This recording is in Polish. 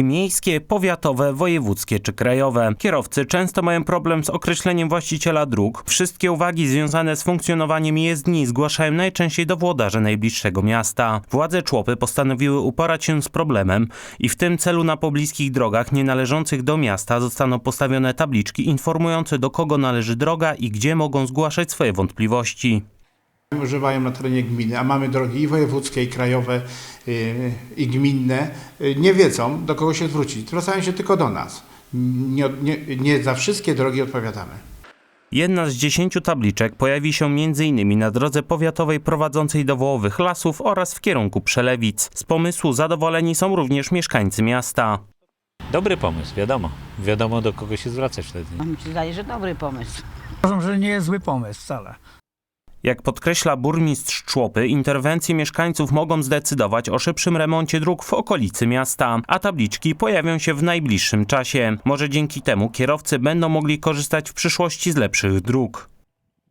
Miejskie, powiatowe, wojewódzkie czy krajowe. Kierowcy często mają problem z określeniem właściciela dróg. Wszystkie uwagi związane z funkcjonowaniem jezdni zgłaszają najczęściej do włodarzy najbliższego miasta. Władze Człopy postanowiły uporać się z problemem i w tym celu na pobliskich drogach nie należących do miasta zostaną postawione tabliczki informujące, do kogo należy droga i gdzie mogą zgłaszać swoje wątpliwości. Używają na terenie gminy, a mamy drogi i wojewódzkie, i krajowe, i gminne, nie wiedzą, do kogo się zwrócić. Zwracają się tylko do nas. Nie za wszystkie drogi odpowiadamy. Jedna z 10 tabliczek pojawi się m.in. na drodze powiatowej prowadzącej do Wołowych Lasów oraz w kierunku Przelewic. Z pomysłu zadowoleni są również mieszkańcy miasta. Dobry pomysł, wiadomo. Wiadomo, do kogo się zwracać wtedy. Mi się zdaje, że dobry pomysł. Uważam, że nie jest zły pomysł wcale. Jak podkreśla burmistrz Człopy, interwencje mieszkańców mogą zdecydować o szybszym remoncie dróg w okolicy miasta, a tabliczki pojawią się w najbliższym czasie. Może dzięki temu kierowcy będą mogli korzystać w przyszłości z lepszych dróg.